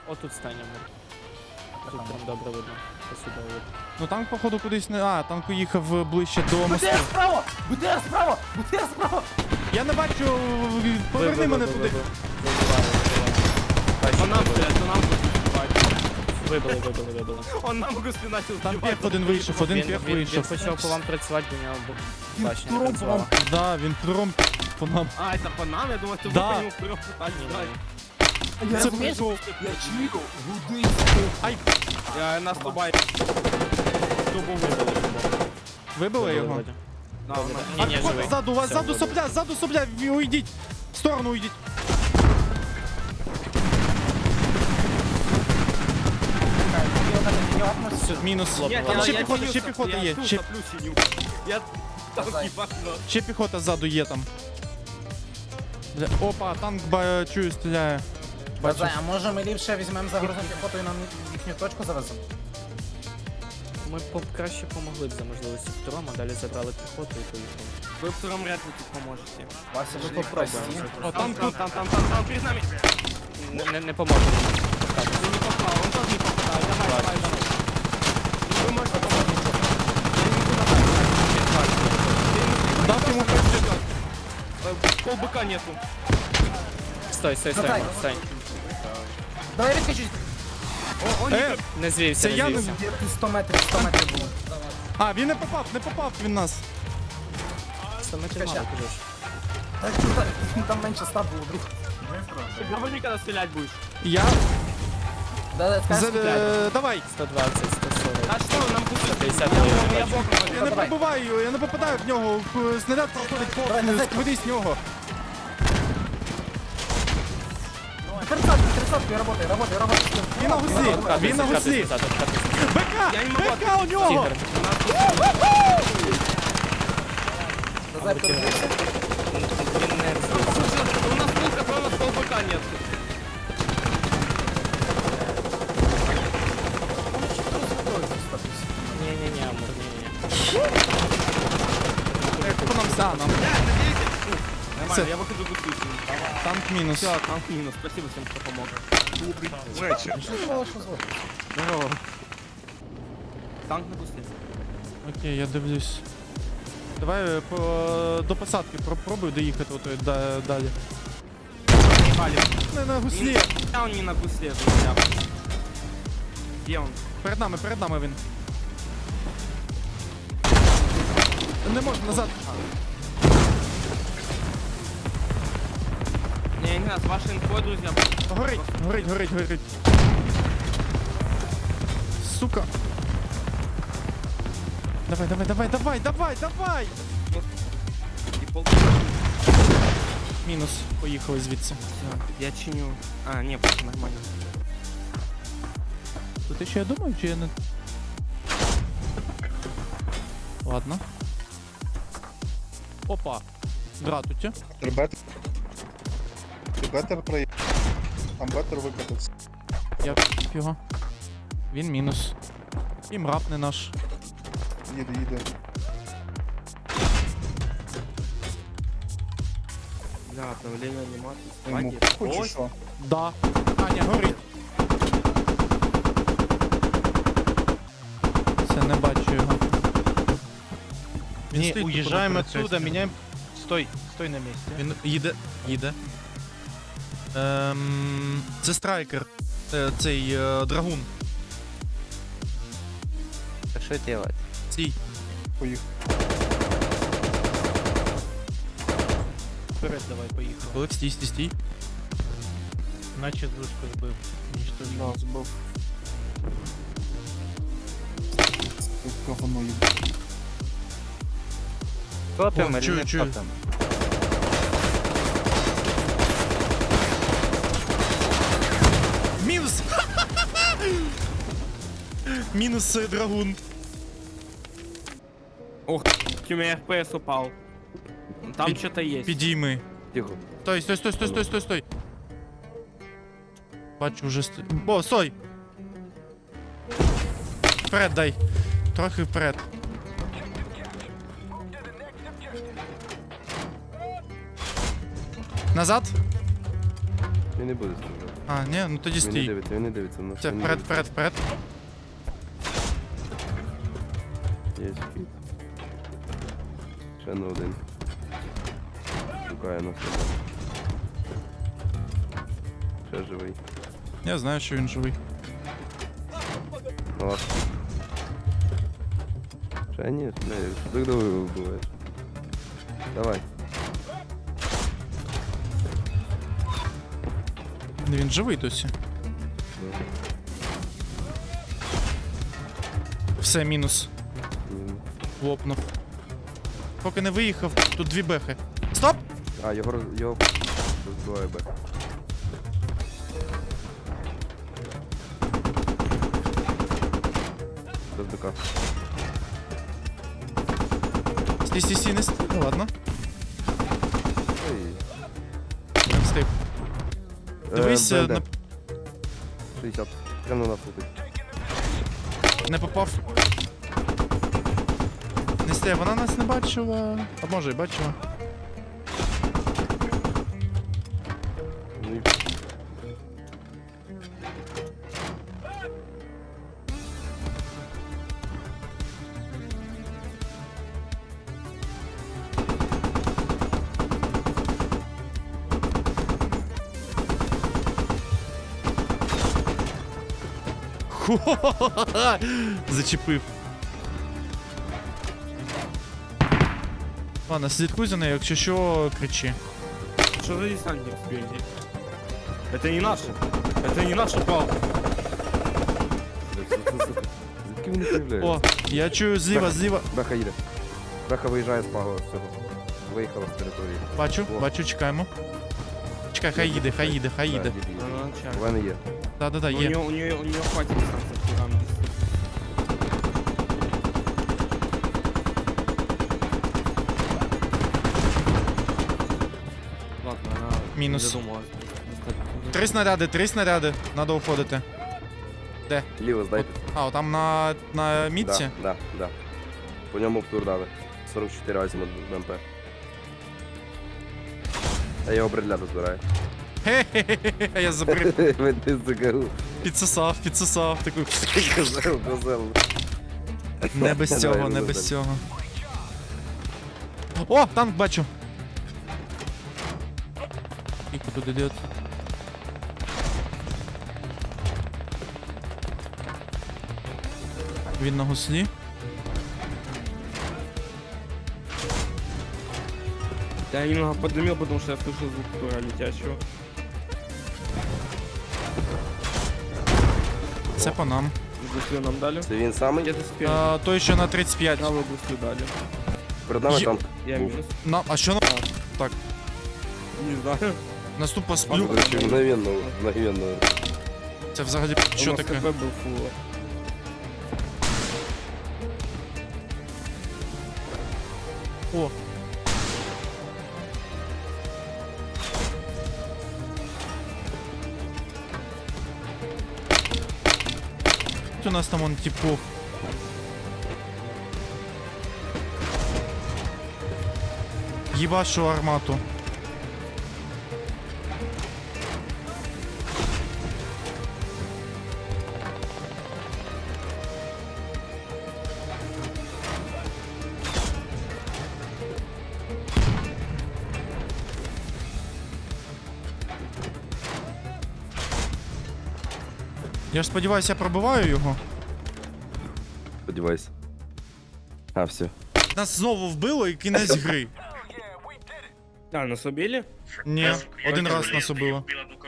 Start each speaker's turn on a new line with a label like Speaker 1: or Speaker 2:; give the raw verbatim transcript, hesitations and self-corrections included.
Speaker 1: Отут станемо. Тут прям добре видно. Посюди видно.
Speaker 2: Ну танк, походу, кудись не. А, танк уїхав ближче до мосту.
Speaker 3: БТР справа! БТР справа! БТР справа!
Speaker 2: Я не бачу. Поверни мене туди.
Speaker 1: По нам стрілять, по нам стрілять. Вибили, вибили, вибили.
Speaker 3: Он нам гусли начал
Speaker 2: Там пех один вийшов, один
Speaker 1: Він,
Speaker 2: пех
Speaker 1: він, він
Speaker 2: вийшов.
Speaker 1: почав по вам працювати, до нього
Speaker 3: Він
Speaker 1: бачення не
Speaker 3: туром
Speaker 1: працювала.
Speaker 3: вам.
Speaker 2: Да, він пром по нам.
Speaker 3: А, это по нам? Я думал, ты
Speaker 2: Да.
Speaker 3: вы по нему вперед пытались
Speaker 1: Ні,
Speaker 3: стрелять.
Speaker 1: ні.
Speaker 3: Я
Speaker 2: Це
Speaker 3: розумієш?
Speaker 2: прикол.
Speaker 3: Я чую, гуди.
Speaker 2: Ай,
Speaker 3: Я наступаю.
Speaker 1: Трубу вибили, трубу.
Speaker 2: вибили його?
Speaker 1: вроді.
Speaker 3: Да, он-
Speaker 1: Ні, ні,
Speaker 2: От
Speaker 1: живий.
Speaker 2: ззаду, у вас
Speaker 1: Все,
Speaker 2: ззаду
Speaker 1: вибили.
Speaker 2: сопля, ззаду сопля, ви уйдіть. В сторону уйдіть. Все, мінус.
Speaker 3: Нет,
Speaker 2: Там
Speaker 3: я-
Speaker 2: ще
Speaker 3: я
Speaker 2: піхота,
Speaker 3: чиню
Speaker 2: ще
Speaker 3: соп-
Speaker 2: піхота
Speaker 3: я
Speaker 2: є.
Speaker 3: всю
Speaker 2: Ще,
Speaker 3: соплю чиню. Я танки бахну.
Speaker 2: ще піхота ззаду є там. Бля, опа, танк ба, чую, стріляє. Бачу.
Speaker 4: Базай, а може ми ліпше візьмемо загрузну піхоту і нам їхню точку завеземо?
Speaker 1: Ми б краще помогли б за можливості втором, а далі забрали піхоту і поїхали.
Speaker 3: Вы втором вряд ли тут поможете.
Speaker 4: Вася,
Speaker 1: Ну,
Speaker 4: ж
Speaker 1: попробуємо.
Speaker 4: прості.
Speaker 2: О,
Speaker 3: Там,
Speaker 2: танк
Speaker 3: там,
Speaker 2: тут.
Speaker 3: там, там, там, там, перед нами.
Speaker 1: Не, не, не поможе.
Speaker 3: Он не попал, он тоже не попадает. Давай, давай, давай. Вы можете помочь. Я не могу набрать.
Speaker 2: Дав йому
Speaker 3: Э, Полбыка нету.
Speaker 1: Стой, стой, стой,
Speaker 4: Давай.
Speaker 1: стой.
Speaker 4: Давай я відкачусь.
Speaker 3: О, он не
Speaker 2: Е,
Speaker 1: Не звівся,
Speaker 2: Це
Speaker 1: не
Speaker 2: я не-
Speaker 1: звівся.
Speaker 4: Де ти сто метрів, сто метрів було.
Speaker 2: а, він не попав, не попав він нас.
Speaker 1: сто метрів мало, кажеш.
Speaker 4: Так, там- Там менше ста було, друг.
Speaker 3: Ты говори, когда стрелять будешь.
Speaker 2: Я.
Speaker 4: Да, да,
Speaker 2: За,
Speaker 4: скажи, скільки?
Speaker 2: е, давай.
Speaker 1: сто двадцять, сто сорок.
Speaker 3: А что, нам будет
Speaker 1: пятьдесят
Speaker 3: Я,
Speaker 1: миллионов
Speaker 3: я, я
Speaker 1: бачу.
Speaker 3: боком
Speaker 2: Я не
Speaker 4: Давай.
Speaker 2: пробиваю, я не попадаю в нього. Х- Снаряд проходить
Speaker 4: Давай,
Speaker 2: повз,
Speaker 4: назад.
Speaker 2: кудись нього.
Speaker 4: Тридцатку, тридцатку, работай, работай, работай.
Speaker 2: Він на гуслі, він на гуслі. БК,
Speaker 3: Я не могу
Speaker 2: БК у нього.
Speaker 1: Тігр.
Speaker 4: Базай, перебився.
Speaker 1: Він не...
Speaker 3: Слушай, у нас пулка, но у нас полбыка нет.
Speaker 1: Ні-ні-ні, Амур, ні-ні.
Speaker 2: По нам ста, нам.
Speaker 3: Нормально,
Speaker 2: Всё.
Speaker 3: я выхожу гуслю.
Speaker 2: Танк мінус.
Speaker 3: Все, танк минус. Спасибо всем, кто помог.
Speaker 4: Що ти мало що звук?
Speaker 3: Здорово. Танк на гусле.
Speaker 2: Окей, я дивлюсь. Давай е, по, до посадки попробуй доїхати ото да, далі.
Speaker 3: Палец.
Speaker 2: Не на гуслі.
Speaker 3: А он не на гусле, друзья. Где он?
Speaker 2: Перед нами, перед нами він. Не можна назад.
Speaker 3: Не, не знаю, с вашей инфой, друзья.
Speaker 2: Горить, горить, горить, горить. Сука. Давай, давай, давай, давай, давай, давай!
Speaker 3: И пол...
Speaker 2: Мінус. Поїхали звідси.
Speaker 3: Всё, я чиню. А, не, просто нормально.
Speaker 2: То ти що я думаю, чи я не. Ладно. Опа. Дратуті.
Speaker 5: Бетер. Бетер проїхав. Там бетер викатився.
Speaker 2: Я п*** його. Він мінус. І мрап не наш.
Speaker 5: Їде, їде.
Speaker 3: Бля, обновление анимации.
Speaker 5: Йому
Speaker 3: Спаги.
Speaker 5: хочеш
Speaker 3: Ой,
Speaker 5: що?
Speaker 2: Да. Аня, горить. Все, не бачу його. Він
Speaker 6: Не,
Speaker 2: стоїть тут
Speaker 6: уезжаем
Speaker 2: на
Speaker 6: отсюда,
Speaker 2: перехресті.
Speaker 6: меняем... Стой, стой на месте.
Speaker 2: Він їде. Їде. Ем, це страйкер. Е, цей е, драгун.
Speaker 7: А что делать?
Speaker 2: Цій.
Speaker 5: Поїхав.
Speaker 6: Вперед давай, поехал.
Speaker 2: Коли стій, стій, стій.
Speaker 6: Наче звучку сбив. Уничтожил.
Speaker 5: Да, збив. Збив говно їм.
Speaker 7: Топим
Speaker 2: О,
Speaker 7: или
Speaker 2: чую,
Speaker 7: не
Speaker 2: чую.
Speaker 7: топим?
Speaker 2: Мінус! Мінус е, драгун.
Speaker 3: Ох, у меня эф пи эс упал. Там
Speaker 2: Пи-
Speaker 3: что-то есть.
Speaker 2: Підійми.
Speaker 7: Тихо.
Speaker 2: Стой, стой, стой, стой, стой, стой, стой. Бачу, вже сто... О, стой! Вперед дай. Трохи вперед. Назад.
Speaker 7: Я не буду стріляти.
Speaker 2: А, ні, ну тоді
Speaker 8: Він не
Speaker 2: стій.
Speaker 8: дивиться, він не дивиться. на
Speaker 2: Це
Speaker 8: він не
Speaker 2: вперед,
Speaker 8: дивиться.
Speaker 2: вперед, вперед.
Speaker 8: Є хід. Ще на один. Шукає на себе. Ще живий.
Speaker 2: Я знаю, що він живий.
Speaker 8: Ну ладно. Ще ні, не, що так довго вбиваєш? Давай.
Speaker 2: Він живий досі. Все, мінус.
Speaker 8: М.
Speaker 2: Лопнув. Поки не виїхав, тут дві бехи. Стоп!
Speaker 8: А, його роз- його розбиває бек. Без БК.
Speaker 2: Стій, стій, стій, не стій. Ну ладно,
Speaker 8: Ой.
Speaker 2: не встиг. Дивись,
Speaker 8: Е,
Speaker 2: е,
Speaker 8: БНД.
Speaker 2: на...
Speaker 8: шістдесят. Прямо на нас летить.
Speaker 2: не попав. Не стій, вона нас не бачила. А може і бачила.
Speaker 8: Ну і
Speaker 2: Хо-хо-хо-хо! Зачепив. Ладно, слідкуй за нею, якщо що, кричи.
Speaker 3: Что за десантник впереди? Это не наши. Это не наша палка.
Speaker 8: Звідки він не появляється?
Speaker 2: О, я чую зліва, зліва.
Speaker 8: Беха їде. Беха виїжджає з пагова з цього. Виїхала з території.
Speaker 2: Бачу,
Speaker 8: О.
Speaker 2: бачу, чекаємо. Чекай, хай їде, хай їде, хай їде.
Speaker 8: Так, їде, їде.
Speaker 3: Она начальник.
Speaker 8: У мене є.
Speaker 2: Да-да-да,
Speaker 3: Ну, У
Speaker 2: є.
Speaker 3: нее, у нее, у нее хватит дистанции. Там Ладно, она
Speaker 2: Минус.
Speaker 3: не задумалась.
Speaker 2: Три снаряди, три снаряди. Надо уходити.
Speaker 8: Ліво здайте.
Speaker 2: А, там на, на мітці?
Speaker 8: Да, да, да. По ньому втур дали. сорок чотири азімут БМП. А я його бредляду збираю.
Speaker 2: Хе-хе-хе, я забрив.
Speaker 8: Ти закару.
Speaker 2: Підсосав, підсосав. Таку.
Speaker 8: Козел, козел.
Speaker 2: Не без
Speaker 8: Давай,
Speaker 2: цього, не
Speaker 8: ну,
Speaker 2: без
Speaker 8: далі.
Speaker 2: цього. О, танк бачу. Скільки тут ідет? Він на гуслі.
Speaker 3: Я немного подымил, потому что я слышал звук тура летящего.
Speaker 2: Це по нам.
Speaker 3: Гуслю нам дали.
Speaker 8: Це він самий?
Speaker 3: Где-то спереди.
Speaker 2: А, той, що на тридцять п'ять.
Speaker 3: Правую гуслю дали.
Speaker 8: Перед нами
Speaker 2: Є-
Speaker 8: танк.
Speaker 3: Я
Speaker 8: Був.
Speaker 3: минус.
Speaker 2: На, а що на...
Speaker 3: Не знаю.
Speaker 2: Наступа
Speaker 8: До
Speaker 2: сплю.
Speaker 8: речі, мгновенно, мгновенно.
Speaker 2: Це взагалі що
Speaker 3: У нас
Speaker 2: таке?
Speaker 3: КП был фулл.
Speaker 2: О. У нас там он типов. Ебашу армату. Я ж сподіваюся, я пробиваю його.
Speaker 8: Сподівайся. А, все.
Speaker 2: Нас знову вбило і кінець гри.
Speaker 3: А, нас убили?
Speaker 2: Ні, один раз нас убило.
Speaker 6: Біла